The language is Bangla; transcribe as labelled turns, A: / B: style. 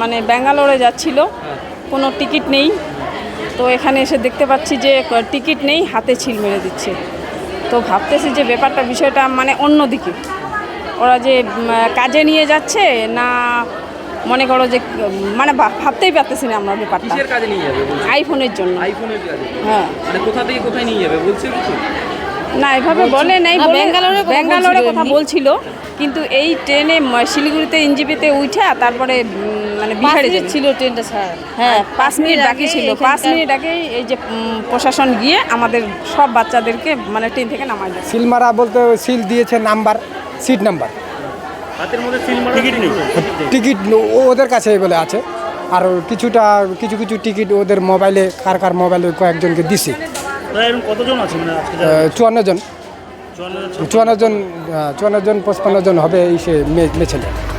A: মানে ব্যাঙ্গালোরে যাচ্ছিল, কোনো টিকিট নেই। তো এখানে এসে দেখতে পাচ্ছি যে টিকিট নেই, হাতে ছিল মেরে দিচ্ছে। তো ভাবতেছি যে বিষয়টা মানে অন্যদিকে, ওরা যে কাজে নিয়ে যাচ্ছে না, মনে করো যে মানে ভাবতেই পারতেছি না আমরা ব্যাপারটা।
B: কিসের কাজে নিয়ে যাবে?
A: আইফোনের জন্য।
B: আইফোনের কাজে?
A: হ্যাঁ।
B: মানে কোথা থেকে কোথায় নিয়ে যাবে বলছে কিছু?
A: না, এভাবে বলে নাই, ব্যাঙ্গালোরে কথা বলছিল, কিন্তু এই ট্রেনে শিলিগুড়িতে এনজিপিতে উঠে তারপরে মানে বিহারে
C: ছিল ট্রেনটা স্যার।
A: হ্যাঁ, 5 মিনিট বাকি ছিল। 5 মিনিট আগেই এই যে প্রশাসন গিয়ে আমাদের সব বাচ্চাদেরকে মানে ট্রেন থেকে নামাই দেয়।
D: সিল মারা বলতে সিল দিয়েছে নাম্বার, সিট নাম্বার,
B: হাতের মধ্যে সিল মারা টিকিট নেই।
D: টিকিট ওদের কাছে বলে আছে। আর কিছু টিকিট ওদের মোবাইলে, কার মোবাইলে কয়েকজনকে দিছি।
B: কতজন আছে মানে আজকে?
D: 54 জন, 54 জন 55 জন হবে এই সে মেয়ে ছেলে।